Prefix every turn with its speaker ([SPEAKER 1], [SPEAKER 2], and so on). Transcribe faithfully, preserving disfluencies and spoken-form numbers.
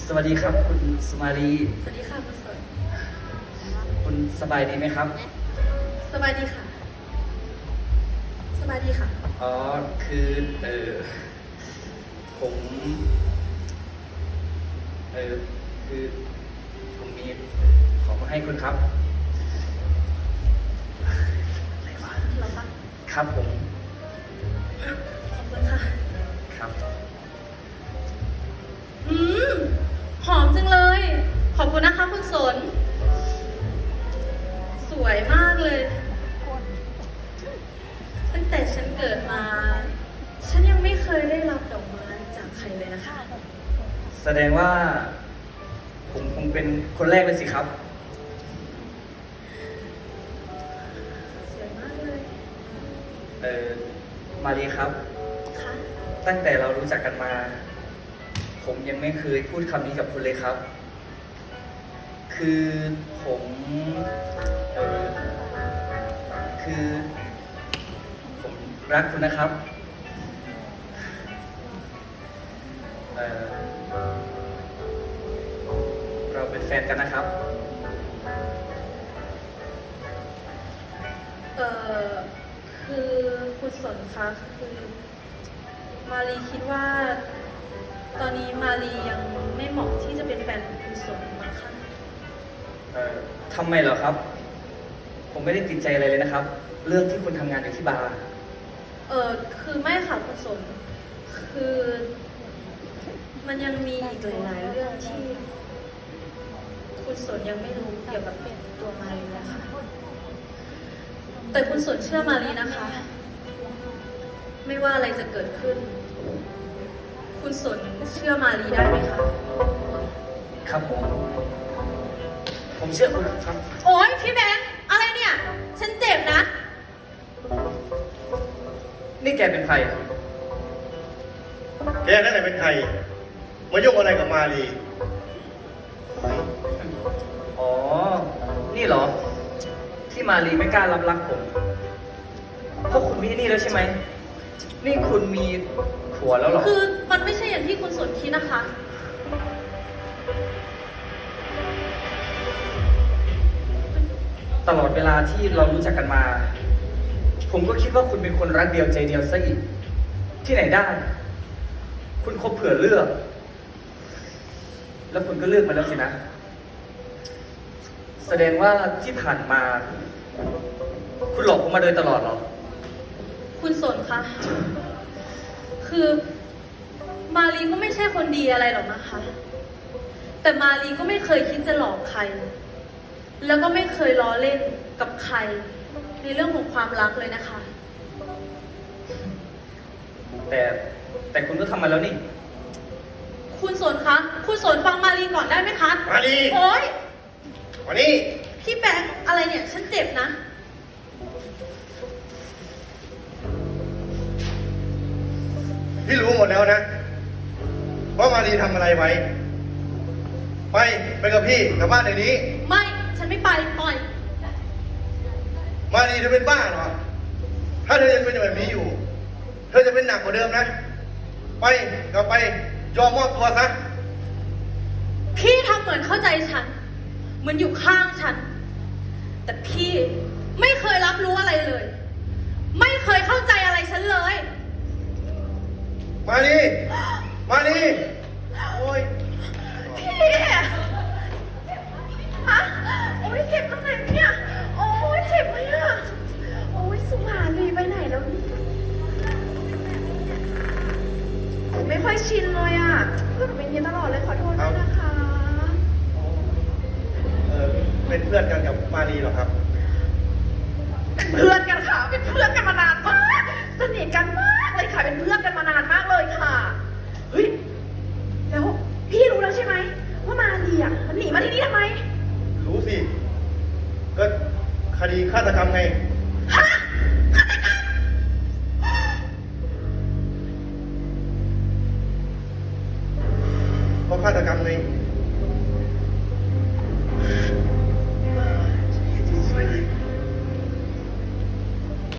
[SPEAKER 1] สวัสดีครับคุณสุมาลี
[SPEAKER 2] สวัสดีค่ะคุณสน
[SPEAKER 1] คุณสบายดีไหมครับ
[SPEAKER 2] สบายดีค่ะ สบายดีค่ะ
[SPEAKER 1] อ๋อ คือเออผมเออคือผมมีของมาให้คุณครับอะไรวะ
[SPEAKER 2] เราปะ
[SPEAKER 1] ครับผม
[SPEAKER 2] ขอบคุณค่ะ
[SPEAKER 1] ครับ
[SPEAKER 2] อืม หอมจังเลย ขอบคุณนะคะคุณสน สวยมากเลย ตั้งแต่ฉันเกิดมา ฉันยังไม่เคยได้รับดอกไม้จากใครเลยนะคะ
[SPEAKER 1] แสดงว่า ผมคงเป็นคนแรกเลยสิครับ
[SPEAKER 2] สวยมากเลย
[SPEAKER 1] เออมาลีครับ
[SPEAKER 2] ค่ะ
[SPEAKER 1] ตั้งแต่เรารู้จักกันมา ผมยังไม่เคยพูดคำนี้กับคุณเลยครับ คือผมเออคือ ผมรักคุณนะครับเออเราเป็นแฟนกันนะครับ
[SPEAKER 2] เออคือคุณสนคะคือมารีคิดว่า ตอนนี้มารียังไม่เหมาะที่จะเป็นแฟนของคุณสนมั้งคะ
[SPEAKER 1] เอ่อทำไมเหรอครับ ผมไม่ได้ติดใจอะไรเลยนะครับ เรื่องที่คุณทำงานอยู่ที่บาร์
[SPEAKER 2] เออคือไม่ค่ะคุณสน คือมันยังมีอีกหลายๆเรื่องที่ คุณสนยังไม่รู้เกี่ยวกับตัวมารีนะคะ แต่คุณสนเชื่อมารีนะคะ ไม่ว่าอะไรจะเกิดขึ้น คุณสนเชื่อมารีได้ไหมคะ
[SPEAKER 1] ครับผม ผมเชื่อคุณครับ
[SPEAKER 2] โอ๊ยพี่แบงค์อะไรเนี่ย ฉันเจ็บนะ
[SPEAKER 1] นี่แกเป็นใคร
[SPEAKER 3] แกนั่นแหละเป็นใคร มายุ่งอะไรกับมาลี
[SPEAKER 1] อ๋อ นี่เหรอ ที่มารีไม่กล้ารับรักผม เพราะคุณมีนี่แล้วใช่ไหม นี่คุณมีผัวแล้วเหรอ
[SPEAKER 2] คือมันไม่ใช่อย่างที่คุณสนคิดนะคะ
[SPEAKER 1] ตลอดเวลาที่เรารู้จักกันมา ผมก็คิดว่าคุณเป็นคนรักเดียวใจเดียวซะอีก ที่ไหนได้ คุณคบเผื่อเลือก แล้วคุณก็เลือกมาแล้วสินะ แสดงว่าที่ผ่านมา คุณหลอกผมมาโดยตลอดเหรอ
[SPEAKER 2] คุณสนคะ คือมารีก็ไม่ใช่คนดีอะไรหรอกนะคะ แต่มารีก็ไม่เคยคิดจะหลอกใคร แล้วก็ไม่เคยล้อเล่นกับใคร ในเรื่องของความรักเลยนะคะ
[SPEAKER 1] แต่แต่คุณก็ทำมาแล้วนี่
[SPEAKER 2] คุณสนคะ คุณสนฟังมารีก่อนได้ไหมคะ
[SPEAKER 3] มาลี
[SPEAKER 2] โอ๊ย
[SPEAKER 3] วันนี้
[SPEAKER 2] พี่แบงค์อะไรเนี่ย ฉันเจ็บนะ
[SPEAKER 3] พี่รู้หมดแล้วนะว่ามาลีทำอะไรไว้ ไปไปกับพี่กลับบ้านเดี๋ยวนี้
[SPEAKER 2] ไม่ ฉันไม่ไปปล่อย
[SPEAKER 3] มาลีเธอเป็นบ้าเหรอ ถ้าเธอยังเป็นแบบนี้อยู่ เธอจะเป็นหนักกว่าเดิมนะ ไปกลับไปยอมมอบตัวซะ
[SPEAKER 2] พี่ทำเหมือนเข้าใจฉัน เหมือนอยู่ข้างฉัน แต่พี่ไม่เคยรับรู้อะไรเลย ไม่เคยเข้าใจอะไรฉันเลย
[SPEAKER 3] มาลีมาลีโอ้ย
[SPEAKER 4] พี่ฮะโอ้ยเจ็บตรงไหนเนี่ย โอ้ยเจ็บไหมอะโอ้ยสุมาลีไปไหนแล้วเนี่ยไม่ค่อยชินเลยอะเพื่อนเป็นอยังนี้ตลอดเลยขอโทษด้วยนะคะ
[SPEAKER 3] เออเป็นเพื่อนกันกับมาลีเหรอครับ
[SPEAKER 4] เพื่อนกันค่ะ เป็นเพื่อนกันมานานม